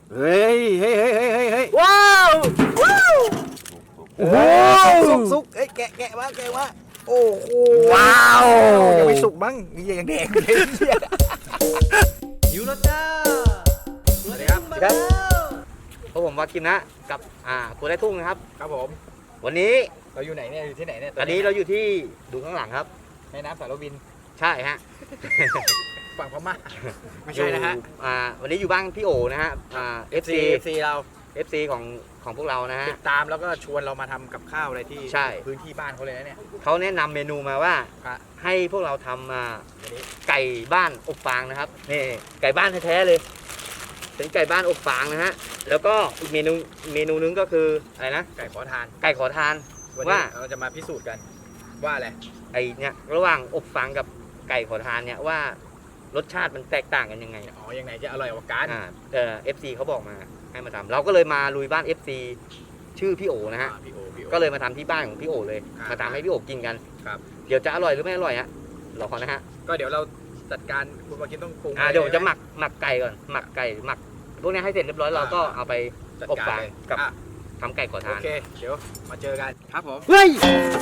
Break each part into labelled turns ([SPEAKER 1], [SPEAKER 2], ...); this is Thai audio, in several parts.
[SPEAKER 1] เฮ้ยเฮ้ยเฮ้ยเฮ้ยเฮ้ย
[SPEAKER 2] ว้าวว้าวโอ้โห
[SPEAKER 1] สุกเอ้ยแกะมาโอ้โห
[SPEAKER 2] ว้าว
[SPEAKER 1] ยังไม่สุกบ้างมีอย่างแดงเลยหิวแล้วจ้าสวัสดีครับ
[SPEAKER 2] พวกผมวากิมนะกับครัวไร่ทุ่งนะครับ
[SPEAKER 1] ครับผม
[SPEAKER 2] วันนี้
[SPEAKER 1] เราอยู่ไหนเนี่ยอยู่ที่ไหนเนี่ย
[SPEAKER 2] ตอนนี้เราอยู่ที่ดูข้างหลังครับ
[SPEAKER 1] แม่น้ำสารวิน
[SPEAKER 2] ใช่ฮะ
[SPEAKER 1] ฝั่งพม่าไม่ใช่นะฮะ
[SPEAKER 2] วันนี้อยู่บ้านพี่โอนะฮะFC
[SPEAKER 1] เรา
[SPEAKER 2] FC ของพวกเรานะฮะ
[SPEAKER 1] ติดตามแล้วก็ชวนเรามาทำกับข้าวอะไรที่
[SPEAKER 2] ใช่
[SPEAKER 1] พื้นที่บ้านเขาเลยนะเนี่ย
[SPEAKER 2] เขาแนะนำเมนูมาว่า
[SPEAKER 1] ครับ
[SPEAKER 2] ให้พวกเราทำไก่บ้านอบฟางนะครับนี่ไก่บ้านแท้ๆเลยเป็นไก่บ้านอบฟางนะฮะแล้วก็อีกเมนูนึงก็คืออะไรนะ
[SPEAKER 1] ไก่ขอทาน
[SPEAKER 2] ไก่ขอทาน
[SPEAKER 1] วัน
[SPEAKER 2] ว่า
[SPEAKER 1] นี้เราจะมาพิสูจน์กันว่าอะไร
[SPEAKER 2] ไอเนี่ยระหว่างอบฟางกับไก่ขอทานเนี่ยว่ารสชาติมันแตกต่างกันยังไง
[SPEAKER 1] อ๋อยังไงจะอร่อยกว่ากัน
[SPEAKER 2] FC เขาบอกมาให้มาทำเราก็เลยมาลุยบ้าน FC ชื่อพี่โอนะฮะ
[SPEAKER 1] พี่โอ
[SPEAKER 2] ก็เลยมาทำที่บ้านของพี่โอเลย
[SPEAKER 1] ครับ
[SPEAKER 2] มาทำให้พี่โอกินกัน
[SPEAKER 1] ครับ
[SPEAKER 2] เดี๋ยวจะอร่อยหรือไม่อร่อยฮะรอนะฮะ
[SPEAKER 1] ก็เดี๋ยวเราจัดการคุณมากินต้องปรุง
[SPEAKER 2] เดี๋ยวผมจะหมักไก่ก่อนหมักไก่หมักพวกนี้ให้เสร็จเรียบร้อยเราก็เอาไป
[SPEAKER 1] จัด
[SPEAKER 2] อบ
[SPEAKER 1] การ
[SPEAKER 2] ฟาง
[SPEAKER 1] เลย
[SPEAKER 2] กับ
[SPEAKER 1] อ่ะ
[SPEAKER 2] ทำไก่ขอ
[SPEAKER 1] โอ
[SPEAKER 2] ทาน
[SPEAKER 1] เคเดี๋ยวมาเจอกันครับผม
[SPEAKER 2] เฮ้ย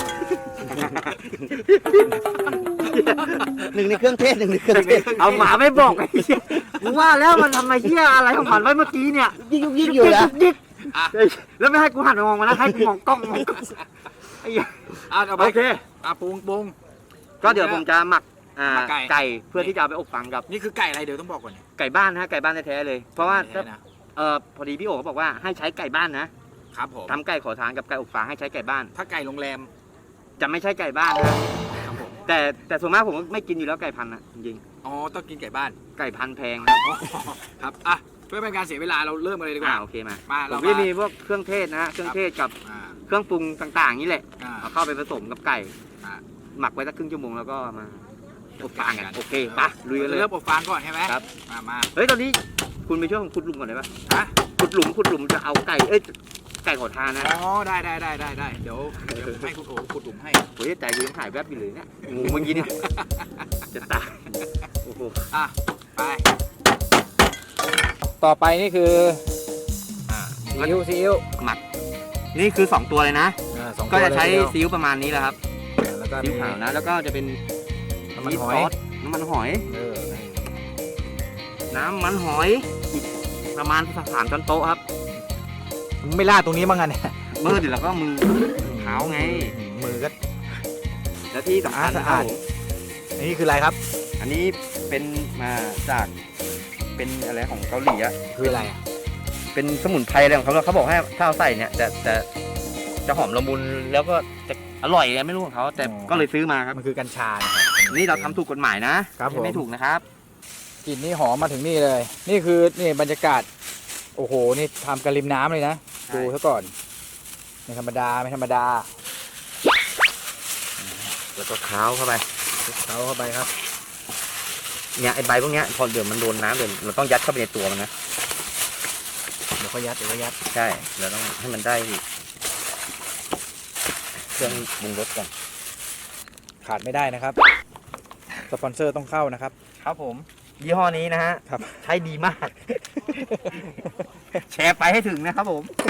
[SPEAKER 2] หนึ่งในเครื่องเทศเอาหมาไม่บอกไอ้เหี้ยมึงว่าแล้วมันทำไมเหี้ยอะไรของมันไว้เมื่อกี้เนี่ยยิกอยู่นะแล้วไม่ให้กูหันมามองมันนะให้กูมองกล้องไอ้เหี้ย
[SPEAKER 1] เอาไป
[SPEAKER 2] โอเค
[SPEAKER 1] ปรุง
[SPEAKER 2] ก็เดี๋ยวผมจะหมัก
[SPEAKER 1] หมักไก่
[SPEAKER 2] ไก่เพื่อที่จะเอาไปอบฟางกับ
[SPEAKER 1] นี่คือไก่อะไรเดี๋ยวต้องบอกก่อนเนี่ย
[SPEAKER 2] ไก่บ้านนะฮะไก่บ้านแท้ๆเลย เพราะว่า
[SPEAKER 1] ไก่นะ
[SPEAKER 2] พอดีพี่โอ๋เขาบอกว่าให้ใช้ไก่บ้านนะครับ
[SPEAKER 1] ผม
[SPEAKER 2] ทำไก่ขอทานกับไก่อบฟางให้ใช้ไก่บ้าน
[SPEAKER 1] ถ้าไก่โรงแรม
[SPEAKER 2] จะไม่ใช่ไก่บ้านนะครับ
[SPEAKER 1] ผม
[SPEAKER 2] แต่ส่วนมากผมไม่กินอยู่แล้วไก่พันธุ์นะจริง
[SPEAKER 1] อ๋อต้องกินไก่บ้าน
[SPEAKER 2] ๆไก่พันธุ์แพงนะครับ
[SPEAKER 1] อ๋อครับอ่ะเพื่อเป็นการเสียเวลาเราเริ่มกันเลยดีกว่า
[SPEAKER 2] โอเคมา
[SPEAKER 1] มา
[SPEAKER 2] ผ
[SPEAKER 1] เรา
[SPEAKER 2] มก็มีพวกเครื่องเทศนะฮะเครื่องเทศกับ
[SPEAKER 1] อ่า
[SPEAKER 2] เครื่องปรุงต่างๆนี่แหละ
[SPEAKER 1] อ่า
[SPEAKER 2] เอาเข้าไปผสมกับไก่
[SPEAKER 1] อ่า
[SPEAKER 2] หมักไว้สักครึ่งชั่วโมงแล้วก็มาอบฟางกันโอเคไปลุยกันเลย
[SPEAKER 1] เริ่มอบฟางก่อนใช่ไหม
[SPEAKER 2] ครับ
[SPEAKER 1] มา
[SPEAKER 2] เฮ้ยตอนนี้คุณไปช่วยผมขุดหลุมก่อนได้ปะ
[SPEAKER 1] ฮะ
[SPEAKER 2] ขุดหลุมจะเอาไก่ไก่ขอทานนะ
[SPEAKER 1] อ๋อได้เดี๋ยวให้คุณโอ๋ขุดหลุมให้
[SPEAKER 2] โอ้ยใจกูยังหายแวบอยู่เลยเนี่ยงูเมื่อกี้เนี่ยจะตายโอ้โห
[SPEAKER 1] อ่ะไปต่อไปนี่คือซีอิ๊ว
[SPEAKER 2] หมักนี่คือ2ตัวเลยนะ
[SPEAKER 1] สองตัว
[SPEAKER 2] ก็จะใช้
[SPEAKER 1] เลยทีเดียว
[SPEAKER 2] ซีอิ๊วประมาณนี้แหละครับ
[SPEAKER 1] แล้วก็
[SPEAKER 2] ซีอิ๊วขาวนะแล้วก็จะเป็น
[SPEAKER 1] น้ำมันหอย
[SPEAKER 2] ซสน้ำมันหอย
[SPEAKER 1] เออ
[SPEAKER 2] น้ำมันหอยอีกประมาณ3 ช้อนโต๊ะครับ
[SPEAKER 1] มึงไม่ล่าดตรงนี้บ้างไงเนี่ย
[SPEAKER 2] มือเดี๋ยวเราก็มือเท้าไง
[SPEAKER 1] มือก็
[SPEAKER 2] แล้วที่สำคัญ
[SPEAKER 1] สะอาด นี่คืออะไรครับ
[SPEAKER 2] อันนี้เป็นมาจากเป็นอะไรของเกาหลีอะ
[SPEAKER 1] คืออะไรอ่ะ
[SPEAKER 2] เป็นสมุนไพรอะไรของเขาเขาบอกให้ถ้าเอาใส่เนี่ยจะหอมละมุนแล้วก็จะอร่อยไงไม่รู้ของเขาแต่ก็เลยซื้อมาครับ
[SPEAKER 1] มันคือกัญชานะครับ
[SPEAKER 2] นี่เราทำถูกกฎหมายนะครับ
[SPEAKER 1] ผม
[SPEAKER 2] ไม่ถูกนะครับ
[SPEAKER 1] กลิ่นนี่หอมมาถึงนี่เลย นี่คือนี่บรรยากาศโอ้โหนี่ทำกันริมน้ำเลยนะ
[SPEAKER 2] ใช่
[SPEAKER 1] ดูซะก่อนไม่ธรรมดา
[SPEAKER 2] แล้วก็เท้าเข้าไป
[SPEAKER 1] เขาเข้าไปครับ
[SPEAKER 2] เนี่ยไอใบพวกเนี้ยพอเดี๋ยวมันโดนน้ำเดี๋ยวเราต้องยัดเข้าไปในตัวมันนะ
[SPEAKER 1] เดี๋ยวก็ยัด
[SPEAKER 2] ใช่เราต้องให้มันได้เครื่องปรุงรสก่อน
[SPEAKER 1] ขาดไม่ได้นะครับสปอนเซอร์ต้องเข้านะครับ
[SPEAKER 2] ครับผมยี่ห้อนี้นะฮะ
[SPEAKER 1] ครับ
[SPEAKER 2] ใช้ดีมาก แชร์ไปให้ถึงนะครับผม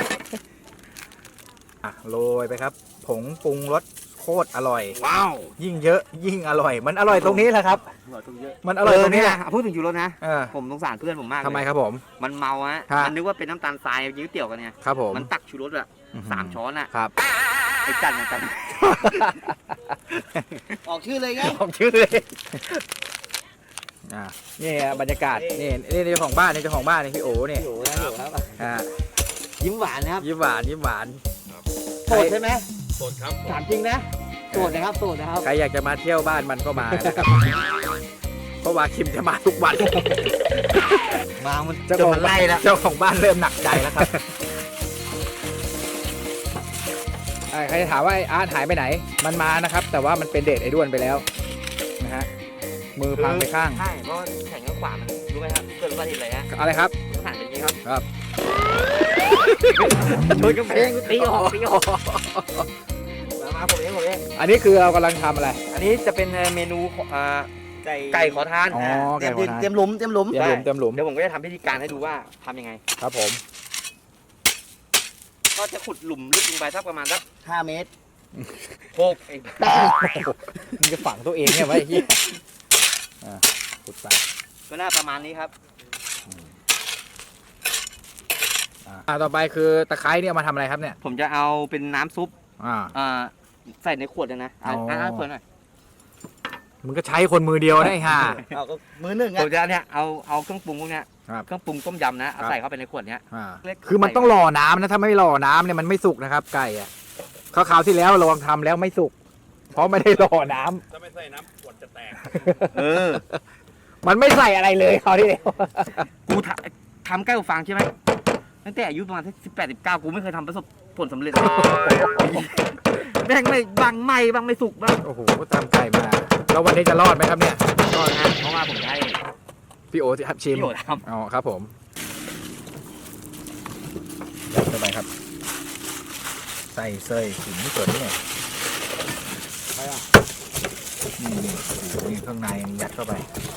[SPEAKER 1] โรยไปครับ ผงปรุงรสโคตรอร่อย
[SPEAKER 2] ว้าว
[SPEAKER 1] ยิ่งเยอะยิ่งอร่อย มันอร่อยตรงนี้แหละครับ
[SPEAKER 2] อร่อยตรงเยอะ
[SPEAKER 1] มันอร่อยตรงนี้แหละ
[SPEAKER 2] พูดถึงยูโรนะ
[SPEAKER 1] เออ
[SPEAKER 2] ผมสงสารเพื่อนผมมากเลย
[SPEAKER 1] ทำไมครับผม
[SPEAKER 2] มันเมาฮะ
[SPEAKER 1] ฮะ
[SPEAKER 2] มันนึกว่าเป็นน้ำตาลทรายยื้อเตี่ยวกันเนี่ย
[SPEAKER 1] ครับผม
[SPEAKER 2] มันตักชูรสอะ3 ช้อนอะ
[SPEAKER 1] ครับ
[SPEAKER 2] ไอ้จันนะจัน ออกชื่อเลยไง
[SPEAKER 1] ออกชื่อเลยนี่บรรยากาศนี่เจ้าของบ้านนี่เจ้าของบ้านนี่พี่โอ๋นี่
[SPEAKER 2] อยู่นะอยู่ครับ
[SPEAKER 1] อ่า
[SPEAKER 2] ยิ้มหวานนะครับ
[SPEAKER 1] ยิ้มหวาน
[SPEAKER 2] โสดใช่ไหม
[SPEAKER 1] โสดครับ
[SPEAKER 2] ถามจริงนะโสดนะครับโสดนะครับ
[SPEAKER 1] ใครอยากจะมาเที่ยวบ้านมันก็มานะครับเพราะว่าคิมจะมาทุกวัน
[SPEAKER 2] มามัน
[SPEAKER 1] เจ้า
[SPEAKER 2] จะ
[SPEAKER 1] ของ
[SPEAKER 2] มาไล่แล้ว
[SPEAKER 1] เจ้าของบ้านเริ่มหนักใจแล้วครับใครจะถามว่าไอ้อาร์ตหายไปไหน มันมานะครับ แต่ว่ามันเป็นเดทไอ้ด้วนไปแล้วนะฮะมือพังไปข้าง
[SPEAKER 2] ใช่เพราะแข่งข้างขวามันรู้ไหมครับเกิดอุบัติเหตุอะไรฮะ
[SPEAKER 1] อะไรครับ
[SPEAKER 2] สถานเป็นอย่างนี้ครับ
[SPEAKER 1] ครับ
[SPEAKER 2] ชนกำแพงตีออกมาผมเอง
[SPEAKER 1] อันนี้คือเรากำลังทำอะไร
[SPEAKER 2] อันนี้จะเป็นเมนูไก่ขอทาน
[SPEAKER 1] อ๋อ
[SPEAKER 3] เตรี
[SPEAKER 1] ไก่
[SPEAKER 3] ยม
[SPEAKER 1] ขอ
[SPEAKER 3] ดิน
[SPEAKER 1] ทาน
[SPEAKER 3] เตรียมหลุมเตรียมหลุม
[SPEAKER 1] เตรียมหลุมเตรียมหลุม
[SPEAKER 2] เดี๋ยวผมก็จะทำพิธีการให้ดูว่าทำยังไง
[SPEAKER 1] ครับผม
[SPEAKER 2] ก็จะขุดหลุมลึกลงไปสักประมาณสัก
[SPEAKER 3] 5 เมตร
[SPEAKER 2] 6เอง
[SPEAKER 1] มึงจะฝังตัวเองเนี่ยไว้ไอ้เหี้ยขุดไป
[SPEAKER 2] ก็น่าประมาณนี้ครับ
[SPEAKER 1] ต่อไปคือตะไคร้เนี่ยเอามาทำอะไรครับเนี่ย
[SPEAKER 2] ผมจะเอาเป็นน้ำซุป
[SPEAKER 1] อ่า
[SPEAKER 2] ใส่ในขวดเลยนะ
[SPEAKER 1] อ๋อ
[SPEAKER 2] เพิ่นหน่อย
[SPEAKER 1] มึงก็ใช้คนมือเดียวได้ห่า
[SPEAKER 3] เอาก็มือหนึ่ง
[SPEAKER 2] ผ
[SPEAKER 3] อ่ะ
[SPEAKER 2] มจะเนี่ยเอาเครื่องปรุงพวกเนี้ย
[SPEAKER 1] ครับ
[SPEAKER 2] เครื่องปรุงต้มยำนะเอา
[SPEAKER 1] ครับ
[SPEAKER 2] ใส่เข้าไปในขวดเนี้ย
[SPEAKER 1] คือมันต้องรอน้ำนะถ้าไม่รอน้ำเนี่ยมันไม่สุกนะครับ ไก่อะคราวที่แล้วลองทำแล้วไม่สุก เพราะไม่ได้รอน้ำ
[SPEAKER 4] ถ้าไม่ใส่น้ำขวดจะแตก
[SPEAKER 1] มันไม่ใส่อะไรเลยคราวที่แล้ว
[SPEAKER 2] กูทำใกล้กับฟางใช่ไหมตั้งแต่อายุประมาณ18-19กูไม่เคยทำประสบผลสำเร็จแม่งไม่บางไม่บางไม่สุกบ้าง
[SPEAKER 1] โอ้โหตามไก่มาแล้ววันนี้จะรอดไหมครับเนี่ย
[SPEAKER 2] ก็นะเพราะว่าผมจะให้
[SPEAKER 1] พี่โอจะชิม
[SPEAKER 2] พี่โอท
[SPEAKER 1] อ๋อครับผมยัดเข้าไปครับ ใส่เซยขิงไม่เกิดนี่ไงนี่โอ้โหนี่ข้างในยัดเข้าไป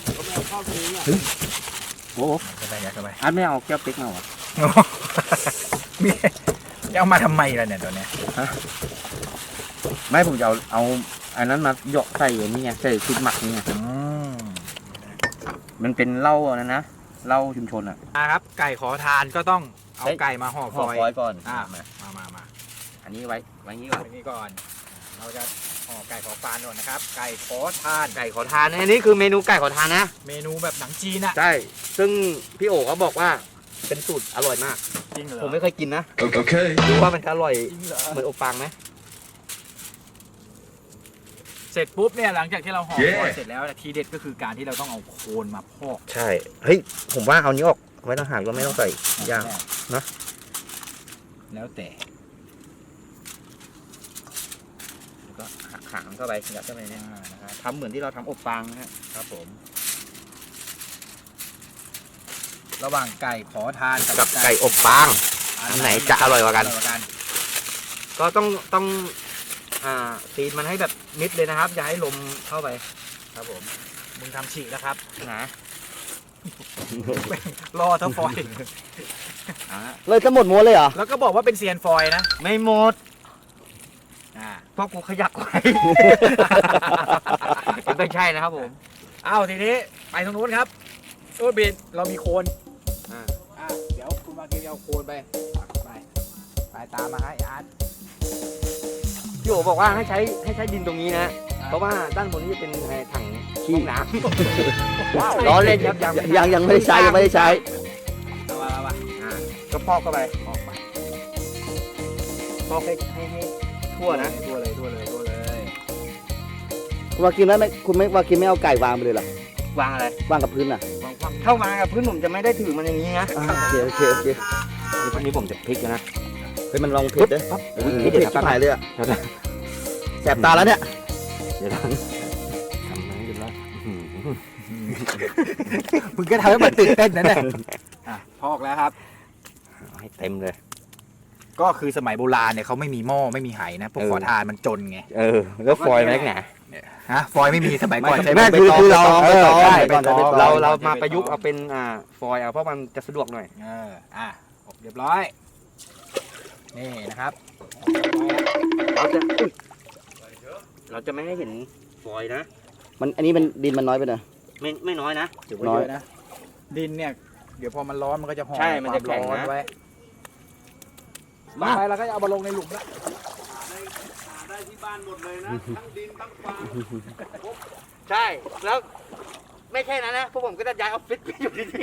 [SPEAKER 2] ำโอ้
[SPEAKER 1] ยัดเข้าไป
[SPEAKER 2] อันไม่เอาแก้วปิ๊กมาหรอ
[SPEAKER 1] มีเอามาทำไมล่ะเนี่ยตัวเนี้ย
[SPEAKER 2] ไม่ผมจะเอาอันนั้นมาหยอกใส่นี่ไงใส่ชุดหมักนี่ไง
[SPEAKER 1] อืม
[SPEAKER 2] มันเป็นเหล้าอันนั้นนะเหล้าชุมชนอ่ะ
[SPEAKER 1] ครับ ไก่ขอทานก็ต้องเอาไก่มาห่อฟ
[SPEAKER 2] ห่อ
[SPEAKER 1] อย
[SPEAKER 2] ฟอยล์ก่อน
[SPEAKER 1] มา
[SPEAKER 2] อันนี้ไว้อย่างนี้ก่อน
[SPEAKER 1] อันนี้ก่อน เราจะห่อไก่ขอฟานก่อนนะครับ ไก่ขอทาน
[SPEAKER 2] ไก่ขอทานอันนี้คือเมนูไก่ขอทานนะ
[SPEAKER 1] เมนูแบบหนังจีนอะ
[SPEAKER 2] ใช่ซึ่งพี่โอเขาบอกว่าเป็นสูตรอร่อยมาก
[SPEAKER 1] จริงเหรอ
[SPEAKER 2] ผมไม่เคยกินนะ
[SPEAKER 4] โอเค
[SPEAKER 2] ดูว่ามันจะอร่อย
[SPEAKER 1] จริงเหรอ
[SPEAKER 2] เหมือนอบฟางไหม
[SPEAKER 1] เสร็จปุ๊บเนี่ยหลังจากที่เราห่อ
[SPEAKER 4] เย้
[SPEAKER 1] ฟอยล์เสร็จแล้วทีเด็ดก็คือการที่เราต้องเอาโคนมาพอก
[SPEAKER 2] ใช่เฮ้ยผมว่าเอานี้ออกไว้ต่างหากก็ไม่ต้องใส่ยาง นะ
[SPEAKER 1] แล้วแต่
[SPEAKER 2] แล้วก็หักหางเข้าไปยัดเข้าไปเนี่ย
[SPEAKER 1] นะครับ
[SPEAKER 2] ทำเหมือนที่เราทำอบฟางนะฮะ
[SPEAKER 1] ครับผม ระหว่างไก่ขอทาน
[SPEAKER 2] กับไก่อบฟาง อันไหนจะอร่อยกว่ากัน ก็ต้องตีนมันให้แบบมิดเลยนะครับอย่าให้ลมเข้าไป
[SPEAKER 1] ครับผมมึงทำฉีกแล้วครับ
[SPEAKER 2] นะ
[SPEAKER 1] รอเท่าฟอยล์
[SPEAKER 3] เลยจะหมดม้วนเลยเหรอ
[SPEAKER 1] แล้วก็บอกว่าเป็นเซียนฟอยล์นะ
[SPEAKER 2] ไม่หมด
[SPEAKER 1] อ่า
[SPEAKER 2] เพราะกูขยักไว้ ไม่ใช่นะครับผม
[SPEAKER 1] อ้าวทีนี้ไปตรงนู้นครับโอ้บินเรามีโคน
[SPEAKER 2] อ่า
[SPEAKER 1] เดี๋ยวคุณมาเก็บเอาโคนไปไปตามมาให้อาร์ต
[SPEAKER 2] พี่โอบอกว่าให้ใช้ดินตรงนี้นะ เพราะว่าด้านบนนี้จะเป็นถังขี้น้ำล้อเล่นครับ
[SPEAKER 3] ยังไม่ได้ใช้ยังไม่ได้ใช้
[SPEAKER 1] มา
[SPEAKER 2] ก็พอกเข้าไป
[SPEAKER 1] ออกไป
[SPEAKER 2] พอกให้ทั่วนะ
[SPEAKER 1] ทั่วเลย
[SPEAKER 3] คุณวากินแล้วไม่คุณไม่วากินไม่เอาไก่วางไปเลยเหรอ
[SPEAKER 2] วางอะไร
[SPEAKER 3] วางกับพื้นอ่ะ
[SPEAKER 2] เข้ามากับพื้นผมจะไม่ได้ถือมันอย่างนี้นะ
[SPEAKER 3] โอเค
[SPEAKER 2] นี่พวกนี้ผมจะพลิกนะ
[SPEAKER 3] เฮ้ยมันลองเผ็ดด้วย
[SPEAKER 2] อุ๊ย
[SPEAKER 3] เผ็ด
[SPEAKER 2] เดี๋ยว
[SPEAKER 3] ชิบหายเลยอ่ะ
[SPEAKER 2] เดี๋ยวนะ
[SPEAKER 3] แสบตาแล้วเนี่ย
[SPEAKER 2] เดี๋ยวนะทำนั้นอยู่แล้ว
[SPEAKER 1] มึงก็ทำให้มันตื่นเต้นนั่นแหละพอกแล้วครับ
[SPEAKER 2] เอาให้เต็มเลย
[SPEAKER 1] ก็คือสมัยโบราณเนี่ยเขาไม่มีหม้อไม่มีไหนะพวกขอทานมันจนไง
[SPEAKER 2] แล้วฟอยล์แม็กหนา
[SPEAKER 1] ฮะฟอยล์ไม่มีสมัยก่อนใช้
[SPEAKER 3] ไม่
[SPEAKER 1] ใบ
[SPEAKER 3] คือเรา
[SPEAKER 1] ใบตอง
[SPEAKER 3] ใช่
[SPEAKER 1] ใบตอง
[SPEAKER 2] เรามาประยุกต์เอาเป็นฟอยล์เอาเพราะมันจะสะดวกหน่อย
[SPEAKER 1] อบเรียบร้อยนี่นะครับ
[SPEAKER 2] เราจะไม่ให้เห็นฟอยล์นะ
[SPEAKER 3] มันอันนี้มันดินมันน้อยไปหน่อย
[SPEAKER 2] ไม่น้อยนะ
[SPEAKER 1] ถือว่าเยอะนะดินเนี่ยเดี๋ยวพอมันร้อนมันก็จะห่อ
[SPEAKER 2] ใช่มันจะแข็งนะ
[SPEAKER 1] ความร้อนไว้ต่อไปเราก็จะเอามาลงในหลุมละ
[SPEAKER 4] ได้ที่บ้านหมดเลยนะ ทั้งดินทั้งฟาง
[SPEAKER 2] ใช่ แล้วไม่แค่นั้นนะ พวกผมก็จะย้ายออฟฟิศไปอยู่ที่นี่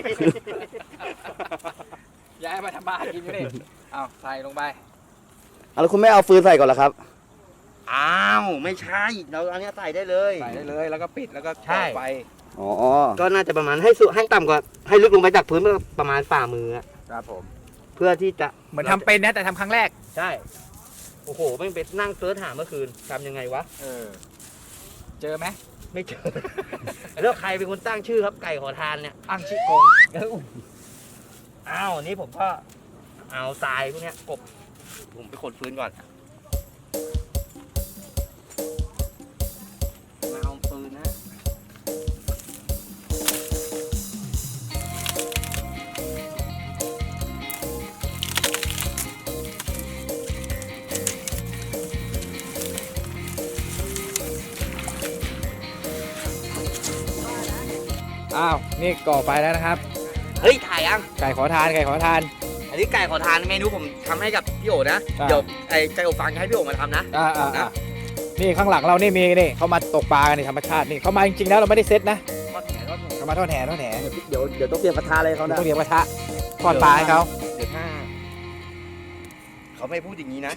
[SPEAKER 1] ย้ายมาทำบ้านกินก็ได้เอาใส่ลงไป
[SPEAKER 3] แล้วคุณไม่เอาฟืนใส่ก่อนเหรอครับ
[SPEAKER 2] อ้าว ไม่ใช่ เราอันนี้ใส่ได้เลย
[SPEAKER 1] ใส่ได้เลยแล้วก็ปิดแล้วก็
[SPEAKER 2] ใช่
[SPEAKER 1] ก่อไฟ
[SPEAKER 3] อ๋อ
[SPEAKER 2] ก็น่าจะประมาณให้ต่ำกว่าให้ลึกลงไปจากพื้นประมาณฝ่ามืออะ
[SPEAKER 1] ครับผม
[SPEAKER 2] เพื่อที่จะ
[SPEAKER 1] เหมือนทำเป็นนะแต่ทำครั้งแรก
[SPEAKER 2] ใช่ โอ้โหไม่เป็นนั่งเซิร์ชหาเมื่อคืนทำยังไงวะ
[SPEAKER 1] เจอไหม
[SPEAKER 2] ไม่เจอ แล้วใครเป็นคนตั้งชื่อครับไก่ขอทานเนี่ย
[SPEAKER 1] อังชิกง
[SPEAKER 2] อ้าวนี่ผมก็เอาทรายพวกเนี้ยกบผมไปขนฟืนก่อนมาเอาฟืนนะ
[SPEAKER 1] อ้าวนี่ก่อไฟแล้วนะครับ
[SPEAKER 2] เฮ้ยถ่ายยัง
[SPEAKER 1] ไก่ขอทานไก่ขอทาน
[SPEAKER 2] อันนี้ไก่ขอทานเมนูผมทำให้กับพี่โอนะ
[SPEAKER 1] อ่า
[SPEAKER 2] เดี๋ยวไอ้ไก่อบฟางจะให้พี่โอมาทำนะ
[SPEAKER 1] นี่ข้างหลังเรานี่มีนี่เขามาตกปลากันนี่ธรรมชาตินี่เขามาจริงๆแล้วเราไม่ได้เซตนะ
[SPEAKER 2] ทอดแหนทอดแหน
[SPEAKER 1] เขามาทอดแหทอดแห
[SPEAKER 3] เดี๋ยวต้องเตรียมกระทะอะไรเขานะ
[SPEAKER 1] ต้องเรียกกระทะทอดปลาให้เขา
[SPEAKER 2] เดี๋ยวถ้าเขาไม่พูดอย่างนี้นะ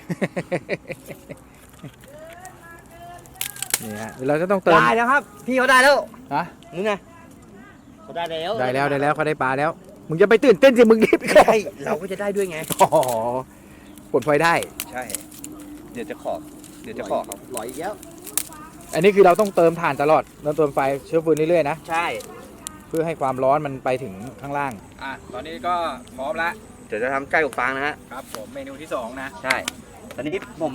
[SPEAKER 1] นี่ฮะเดี๋ยวเราจะต้องเติม
[SPEAKER 2] ได้แล้วครับ พี่เขาได้แล้ว
[SPEAKER 1] ฮะ
[SPEAKER 2] นี่ไงเขาได้แล้ว
[SPEAKER 1] ได้แล้วเขาได้ปลาแล้วมึงจะไปตื่นเต้นสิมึงรีบ
[SPEAKER 2] ใช่เราก็จะได้ด้วยไง
[SPEAKER 1] อ๋อปลดไฟได้
[SPEAKER 2] ใช่ เดี๋ยวจะขอเขา
[SPEAKER 3] หลอยอีกแล้ว
[SPEAKER 1] อันนี้คือเราต้องเติมถ่านตลอดเราเติมไฟเชื้อฟืนเรื่อยๆนะ
[SPEAKER 2] ใช่
[SPEAKER 1] เพื่อให้ความร้อนมันไปถึงข้างล่างตอนนี้ก็พร้อมแล้ว
[SPEAKER 2] เดี๋ยวจะทำไก่อบฟางนะฮะ
[SPEAKER 1] ครับผมเมนูที่2นะ
[SPEAKER 2] ใช่ ตอนนี้ผม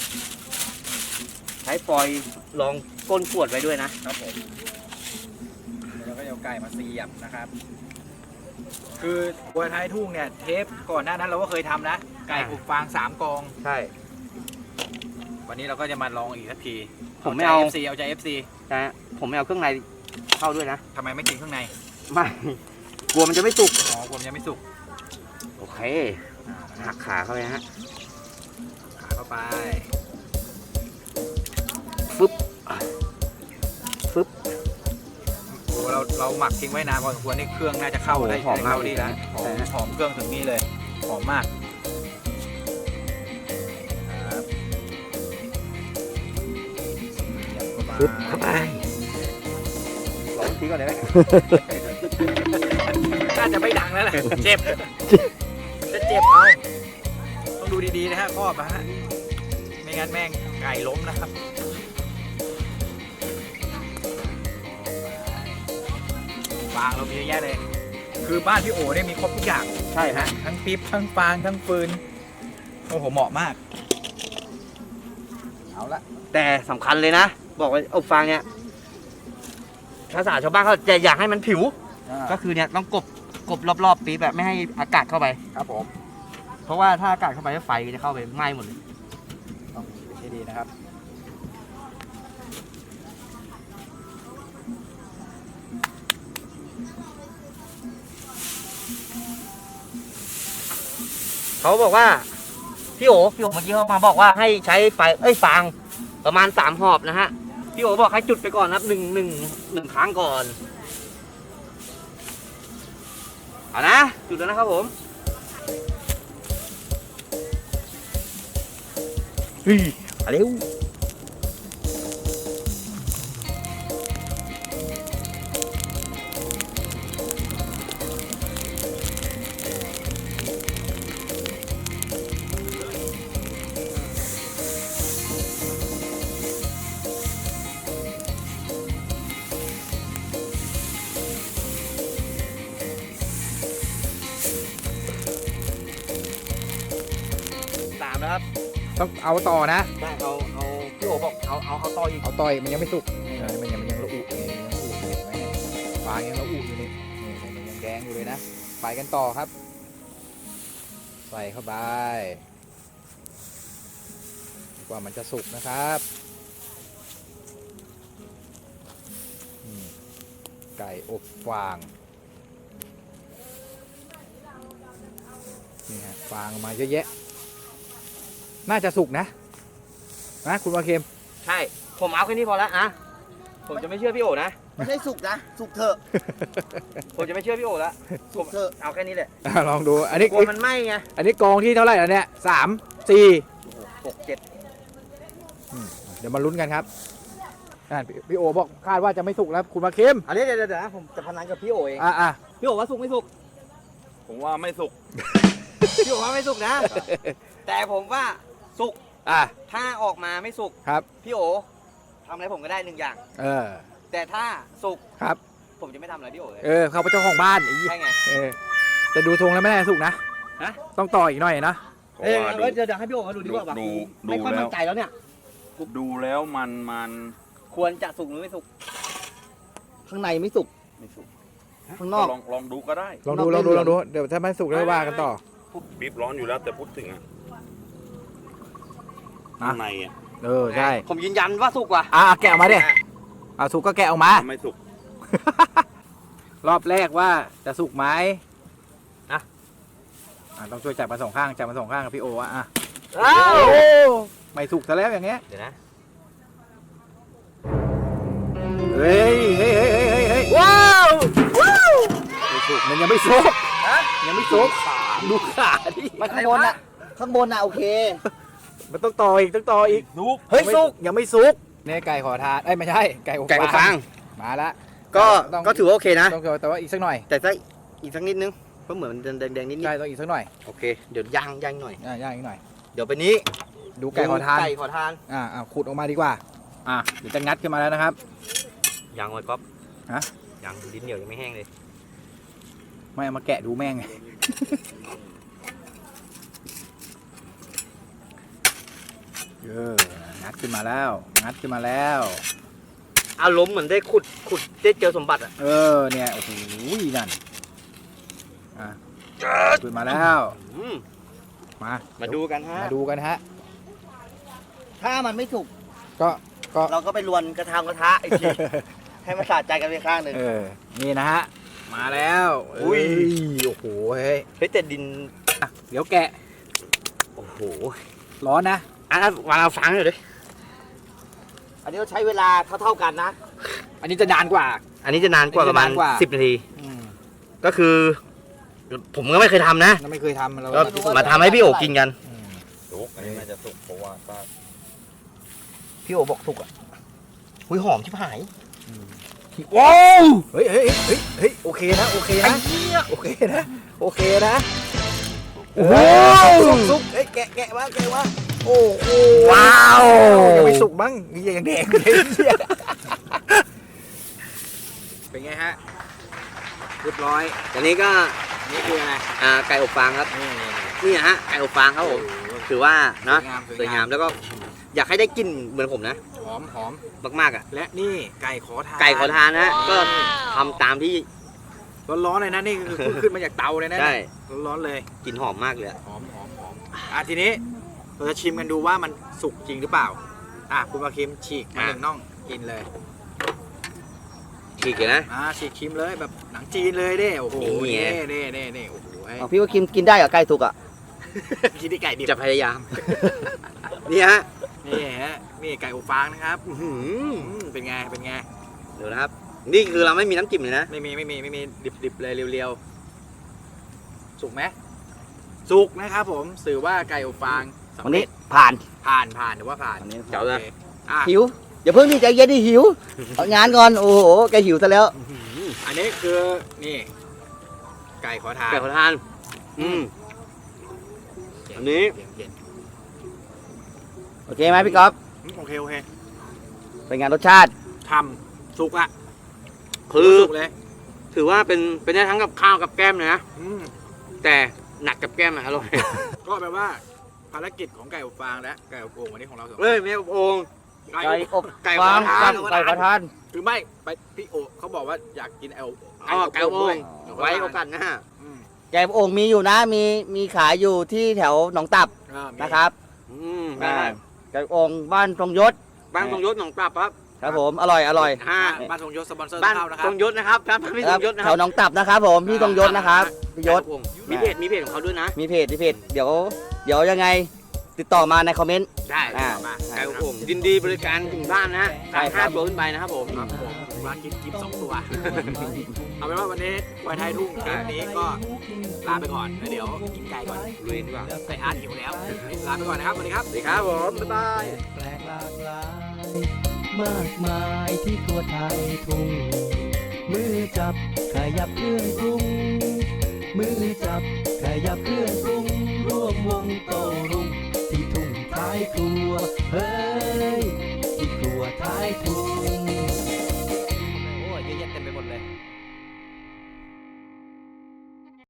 [SPEAKER 2] ใช้ฟอยล์รองก้นขวดไว้ด้วยนะ
[SPEAKER 1] ครับผมแล้วก็เอาไก่มาเสียบนะครับ คือบัวท้ายทุ่งเนี่ยเทปก่อนหน้านั้นเราก็เคยทำนะ ไก่อบฟาง3กอง
[SPEAKER 2] ใช่
[SPEAKER 1] วันนี้เราก็จะมาลองอีกสักที
[SPEAKER 2] ผมไม่เอา
[SPEAKER 1] ใจ FC เอาใจ FC
[SPEAKER 2] นะผมไม่เอาเครื่องในเข้าด้วยนะ
[SPEAKER 1] ทำไมไม่กินข้างใน
[SPEAKER 2] ไม่ กลัวมันจะไม่สุก
[SPEAKER 1] อ๋อผมยังไม่สุก
[SPEAKER 2] โอเค หักขาเข้าไปนะฮะ
[SPEAKER 1] ขาเข้าไป
[SPEAKER 2] ฟึบฟึบ
[SPEAKER 1] โอ้เราหมักทิ้งไว้นานพอสมควรนี่เครื่องน่าจะเข้า
[SPEAKER 2] โอ้
[SPEAKER 1] ได้
[SPEAKER 2] หอมมาก
[SPEAKER 1] เข้าดีนะหอ
[SPEAKER 2] ใช่
[SPEAKER 1] ม
[SPEAKER 2] ฮะ
[SPEAKER 1] หอมเครื่องถึงนี่เลยหอมมากครับ
[SPEAKER 2] ฟึบเข้าไปลองทีก่อนได้ไหม
[SPEAKER 1] น่าจะไม่ดังแล้วแหละเจ็บจะเจ็บเอาต้องดูดีๆนะฮะครอบนะฮะไม่งั้นแม่งไก่ล้มนะครับฟางเรามีเยอะแยะเลย คือบ้านพี่โอเนี่ยมีครบทุกอย่าง
[SPEAKER 2] ใช่ฮะ
[SPEAKER 1] ทั้งปิ๊บทั้งฟางทั้งฟืนโอ้โหเหมาะมากเอาละ
[SPEAKER 2] แต่สำคัญเลยนะ บอกว่าอบฟางเนี่ยภาษาชาวบ้านเขาจะอยากให้มันผิว ก็คือเนี่ยต้องกบรอบๆปีแบบไม่ให้อากาศเข้าไป
[SPEAKER 1] ครับผม
[SPEAKER 2] เพราะว่าถ้าอากาศเข้าไปแล้วไฟจะเข้าไปไหม้หมดเลย
[SPEAKER 1] ต้องให้ดีนะครับ
[SPEAKER 2] เขาบอกว่าพี่โอเมื่อกี้เขามาบอกว่าให้ใช้ไฟฟางประมาณ3 หอบนะฮะพี่โอบอกให้จุดไปก่อนนะครับหนึ่งครั้งก่อนเอานะจุดแล้วนะครับผม
[SPEAKER 1] เฮ้ย
[SPEAKER 2] เอาเร็ว3นะครับ
[SPEAKER 1] ต้องเอาต่อนะ
[SPEAKER 2] ได้เอาพี่โอบอกเอาต่ออีก
[SPEAKER 1] เอาต่อยมันยังไม่สุกมันยังระอุอยู่เลยยังระอุอยู่เห็นไหมเนี่ยฟางยังระอุอยู่นี่มันยังแดงอยู่เลยนะไปกันต่อครับ ใส่เข้าไปกว่ามันจะสุกนะครับไก่อบฟางนี่ฮะฟางออกมาเยอะแยะน่าจะสุกนะคุณวาเคม
[SPEAKER 2] ใช่ ผมเอาแค่นี้พอแล้วนะผมจะไม่เชื่อพี่โอนะ
[SPEAKER 3] ไม่ใช่สุกนะ สุกเถอะ
[SPEAKER 2] ผมจะไม่เชื่อพี่โอแล้ว
[SPEAKER 3] สุกเถอะ
[SPEAKER 2] เอาแค่นี้แหละ
[SPEAKER 1] ลองดูอันนี้
[SPEAKER 2] กลัวมันไหม้ไง
[SPEAKER 1] อันนี้กองที่เท่าไหร่แล้วเนี่ย3 4
[SPEAKER 2] 6 7
[SPEAKER 1] เดี๋ยวมาลุ้นกันครับพี่โอบอกคาดว่าจะไม่สุกแล้วคุณมาเคม
[SPEAKER 2] อันนี้เดี๋ยวนะผมจะพนันกับพี่โอเอง
[SPEAKER 1] อ่ะ
[SPEAKER 2] พี่โอว่าสุกไม่สุก
[SPEAKER 4] ผมว่าไม่สุก
[SPEAKER 2] พี่โอว่าไม่สุกนะ แต่ผมว่าสุก
[SPEAKER 1] อ่ะ
[SPEAKER 2] ถ้าออกมาไม่สุก
[SPEAKER 1] ครับ
[SPEAKER 2] พี่โอทำอะไรผมก็ได้1 อย่าง
[SPEAKER 1] เออ
[SPEAKER 2] แต่ถ้าสุก
[SPEAKER 1] ครับ
[SPEAKER 2] ผมจะไม่ทำอะไรพี่โอเลย
[SPEAKER 1] เขาเป็นเจ้าของบ้านไอ้
[SPEAKER 2] ใช่ไง
[SPEAKER 1] แต่ดูทรงแล้วไม่น่าจะสุกนะ
[SPEAKER 2] ฮะ
[SPEAKER 1] ต้องต่ออีกหน่อยนะ
[SPEAKER 4] เพราะว่า
[SPEAKER 2] เดี๋ยวให้พี่โอมาดูดีกว่าว่า
[SPEAKER 4] ดู
[SPEAKER 2] ไม่ค่อย
[SPEAKER 4] แล้ว
[SPEAKER 2] มั่นใจแล้วเนี่ย
[SPEAKER 4] ดูแล้วมัน
[SPEAKER 2] ควรจะสุกหรือไม่สุก
[SPEAKER 3] ข้างในไม่สุก
[SPEAKER 4] ไม่สุก
[SPEAKER 3] ข้างนอก
[SPEAKER 4] ลองดูก็ได้
[SPEAKER 1] ลองดูเดี๋ยวถ้าไม่สุกแล้วว่ากันต่อ
[SPEAKER 4] บีบร้อนอยู่แล้วแต่พูดถึงอะข้างในอะ
[SPEAKER 1] ใช่
[SPEAKER 2] ผมยืนยันว่าสุกว่ะ
[SPEAKER 1] แกะออกมาดิสุกก็แกะออกมา
[SPEAKER 4] ไม่สุก
[SPEAKER 1] รอบแรกว่าจะสุกไหม
[SPEAKER 2] อ่ะ
[SPEAKER 1] ต้องช่วยจับมาสองข้างจับมาสองข้างกับพี่โออ่ะ
[SPEAKER 2] อ้าว
[SPEAKER 1] ไม่สุกซะแล้วอย่างเงี้ย
[SPEAKER 2] เดี๋ยวนะ
[SPEAKER 1] เฮ้ยเฮ้ยเฮ้ยเฮ้ยเฮ้ย
[SPEAKER 2] ว้าวว้าว
[SPEAKER 1] ไม่สุกมันยังไม่สุก
[SPEAKER 3] ฮะ
[SPEAKER 1] ยังไม่สุกดูขาดิ
[SPEAKER 3] มันข้างบนน่ะข้างบนน่ะโอเค
[SPEAKER 1] มันต้องต่ออีกต้องต่ออีก
[SPEAKER 3] เฮ้ยสุก
[SPEAKER 1] ยังไม่สุกเนี่ยไก่ขอทานเอ้ยไม่ใช่ไก่อบ
[SPEAKER 2] ไก่อบฟาง
[SPEAKER 1] มาละ
[SPEAKER 2] ก็
[SPEAKER 1] ต้อง
[SPEAKER 2] ก็ถือว่าโอเคนะ
[SPEAKER 1] ต้องแต่ว่าอีกสักหน่อย
[SPEAKER 2] แต่ถ้าอีกสักนิดนึงเพราะเหมือนมันแดงๆนิด
[SPEAKER 1] ใช่ต้องอีกสักหน่อย
[SPEAKER 2] ๆโอเคเดี๋ยวย่างหน่อย
[SPEAKER 1] ย่างอีกหน่อย
[SPEAKER 2] เดี๋ยวไปนี้
[SPEAKER 1] ดูไก่ขอทาน
[SPEAKER 2] ไก่ขอทาน
[SPEAKER 1] ขุดออกมาดีกว่าเดี๋ยวจะงัดขึ้นมาแล้วนะครับ
[SPEAKER 2] ย่างไว้ก๊อฟ
[SPEAKER 1] ฮะ
[SPEAKER 2] ย่างลิ้นเหนียวยังไม่แห้งเลย
[SPEAKER 1] ไม่เอามาแกะดูแม่งไง งัดขึ้นมาแล้ว งัดขึ้นมาแล้ว
[SPEAKER 2] อารมณ์เหมือนได้ขุดได้เจอสมบัติอ่ะ
[SPEAKER 1] เนี่ยโอ้โหนั่นขึ้นมาแล้ว
[SPEAKER 2] มาดูกันฮะ
[SPEAKER 1] มาดูกันฮะ
[SPEAKER 3] ถ้ามันไม่สุก
[SPEAKER 1] ก็
[SPEAKER 3] เราก็ไปรวนกระทะอีกที ให้มันสะใจกันไปข้างหนึ่ง
[SPEAKER 1] นี่นะฮะ มาแล้ว
[SPEAKER 2] อุ้ย
[SPEAKER 1] โอ้โหเฮ้ย
[SPEAKER 2] เฮ้ยแต่ดิน
[SPEAKER 1] เดี๋ยวแกะ
[SPEAKER 2] โอ้โห
[SPEAKER 1] ร้อนนะ
[SPEAKER 2] วางเอาฟังหน่อยดิ
[SPEAKER 3] อันนี้เราใช้เวลาเท่าๆกันนะ
[SPEAKER 1] อันนี้จะนานกว่า
[SPEAKER 2] อันนี้จะนานกว่าประมาณ
[SPEAKER 1] อันนี้จะนานกว่า
[SPEAKER 2] 10 นาที ก็คือ ผมก็ไม่เคยทำนะ
[SPEAKER 1] เราไม่เคยทำเรา
[SPEAKER 2] ก็มาทำให้พี่โอกินกัน
[SPEAKER 4] สุกอันนี้น่าจะสุกเพราะว่าก็
[SPEAKER 2] พี่โอบอกสุกอ่ะหุยหอมชิบหาย
[SPEAKER 1] ว้าวเฮ้ยโอเคนะ โอเคนะ โอเคนะ โอเคนะ
[SPEAKER 2] โอ้โห
[SPEAKER 1] สุกเฮ้ยแกะว่าโอ้โห
[SPEAKER 2] ว้าว
[SPEAKER 1] ยังไม่สุกบ้างยังแดงเลยเนี่ยเป็นไงฮะ เรียบร้อย
[SPEAKER 2] อันนี้ก็
[SPEAKER 1] นี่คืออะไร
[SPEAKER 2] ไก่อบฟางครับ
[SPEAKER 1] นี่
[SPEAKER 2] นี่ฮะไก่อบฟางครับผมถือว่านะ
[SPEAKER 1] ส
[SPEAKER 2] ส
[SPEAKER 1] ว
[SPEAKER 2] วย ย
[SPEAKER 1] งาง
[SPEAKER 2] าม มแล้วก็อยากให้ได้กลิ่นเหมือนผมนะ
[SPEAKER 1] หอม
[SPEAKER 2] มากๆอ่ะ
[SPEAKER 1] และนี่ไก่ขอทาน
[SPEAKER 2] ไก่ขอทานนะก็ทำตามที่
[SPEAKER 1] ร้อนๆเลยนะนี่คือเพิ่งขึ้นมาจากเตาเลยนะ
[SPEAKER 2] ใช่
[SPEAKER 1] ร้อนๆเลย
[SPEAKER 2] กลิ่นหอมมากเลยอะ
[SPEAKER 1] หอมทีนี้เราจะชิมกันดูว่ามันสุกจริงหรือเปล่าคุณมาคิมฉีกมาหนึ่งน่องกินเลย
[SPEAKER 2] ฉีกเลยนะ
[SPEAKER 1] ฉีกชิมเลยแบบหนังจีนเลยเด้โอ้โห
[SPEAKER 2] นี่ไง
[SPEAKER 1] นี่โอ้โห
[SPEAKER 3] พี่ว่ากินได้เหรอไก่สุกอ่ะ
[SPEAKER 1] กินที่ไก่ดิบ
[SPEAKER 2] จะพยายาม นี่ฮะ
[SPEAKER 1] นี่ฮะนี่ไก่อบฟางนะครับ
[SPEAKER 2] อื้อหือ
[SPEAKER 1] เป็นไง
[SPEAKER 2] เดี๋ยวนะครับ นี่คือเราไม่มีน้ำจิ้มเลยนะ
[SPEAKER 1] ไม่มีดิบเลยเรียวๆสุกไหมสุกนะครับผมสื่อว่าไก่อบฟางสำ
[SPEAKER 3] วัน
[SPEAKER 1] เร็
[SPEAKER 3] นี้
[SPEAKER 1] จ
[SPEAKER 3] ผ่าน
[SPEAKER 1] ผ่านหรือว่าผ่าน
[SPEAKER 3] วันนี้
[SPEAKER 2] เจ๋วเลย
[SPEAKER 1] โอคอ่ะ
[SPEAKER 3] หิวอย่าเพิ่งดิใจเย็นดิหิวเอางานก่อนโอ้โหแกหิวซะแล้ว
[SPEAKER 1] อันนี้คือนี่ไก่ขอทาน
[SPEAKER 2] ไก่ขอทานอันนี้
[SPEAKER 1] เย็น
[SPEAKER 3] โอเคไหมพี่ก๊อฟ
[SPEAKER 1] โอเค
[SPEAKER 3] เป็นไงานรสชาติ
[SPEAKER 1] ทำสุกละ
[SPEAKER 2] คือ
[SPEAKER 1] สุกเลย
[SPEAKER 2] ถือว่าเป็นได้ทั้งกับข้าวกับแก้มเลยนะ
[SPEAKER 1] อืม
[SPEAKER 2] แต่หนักกับแก้มอะอร่อย
[SPEAKER 1] ก็แปลว่าภารกิจของไก่อบฟางและไก่อบโอ่งวันนี้ของเราสอง
[SPEAKER 2] เฮ้ยไม่อบโอ่ง
[SPEAKER 1] ไก่
[SPEAKER 3] ไก่
[SPEAKER 1] อบ
[SPEAKER 3] อบ
[SPEAKER 2] ไก่
[SPEAKER 3] ฟาง
[SPEAKER 2] ขอทาน
[SPEAKER 3] กับไก่ขอทาน
[SPEAKER 1] คือไม่ไปพี่โอเขาบอกว่าอยากกิน
[SPEAKER 2] ไก่อบโอ่ง
[SPEAKER 1] ด้วย
[SPEAKER 2] ไว้โอกาสหน้า
[SPEAKER 1] อืม
[SPEAKER 3] ไก่อบโอ่งมีอยู่นะมีขายอยู่ที่แถวหนองตับ
[SPEAKER 1] มี
[SPEAKER 3] นะครับ
[SPEAKER 2] ได้
[SPEAKER 3] ไก่อบโอ่งบ้านทรงยศ
[SPEAKER 2] บ้านทรงยศหนองปรับครับ
[SPEAKER 3] ครับผมอร่อย
[SPEAKER 1] บ้านทรงยศสปอนเซอร์
[SPEAKER 2] บ้าน
[SPEAKER 1] เข้านะค
[SPEAKER 2] ท
[SPEAKER 1] รั
[SPEAKER 2] ร
[SPEAKER 1] บ
[SPEAKER 2] งยศนะครับบ้านพี่ทรงยศนะ
[SPEAKER 3] แถ
[SPEAKER 2] ครั
[SPEAKER 3] วหนองตับนะครับผมพี่ทรงยศนะครับพี่ยศ
[SPEAKER 2] มีเพจของเขาด้วยนะ
[SPEAKER 3] มีเพจเดี๋ยวยังไงติดต่อมาในคอมเมนต์
[SPEAKER 2] ได้
[SPEAKER 1] มา
[SPEAKER 2] ไก่อบโอ่งยินดีบริการถึงบ้านนะฮะ
[SPEAKER 3] ใช่ครับ
[SPEAKER 2] 5 ตัวขึ้นไปนะครับผม
[SPEAKER 1] ครับผมมากินกิฟต์2 ตัว เอาเป็นว่าวันนี้ไวไทยทุ่งเทปนี้ก็ลาไปก่อนแล้วเดี๋ยวกินไก่ก่อน
[SPEAKER 2] ลุยดีกว่า
[SPEAKER 1] ไปอาร์ตหิวแล้ว ลาไปก่อนนะครับ สวัสดีครับ
[SPEAKER 2] สวัสดีครับผม บ๊ายบาย
[SPEAKER 5] แปลกหลากหลายมากมายที่ทั่วไทยทุ่งมือจับขยับเครื่องปรุงมือจับขยับเครื่องปรุงร่วมวงโต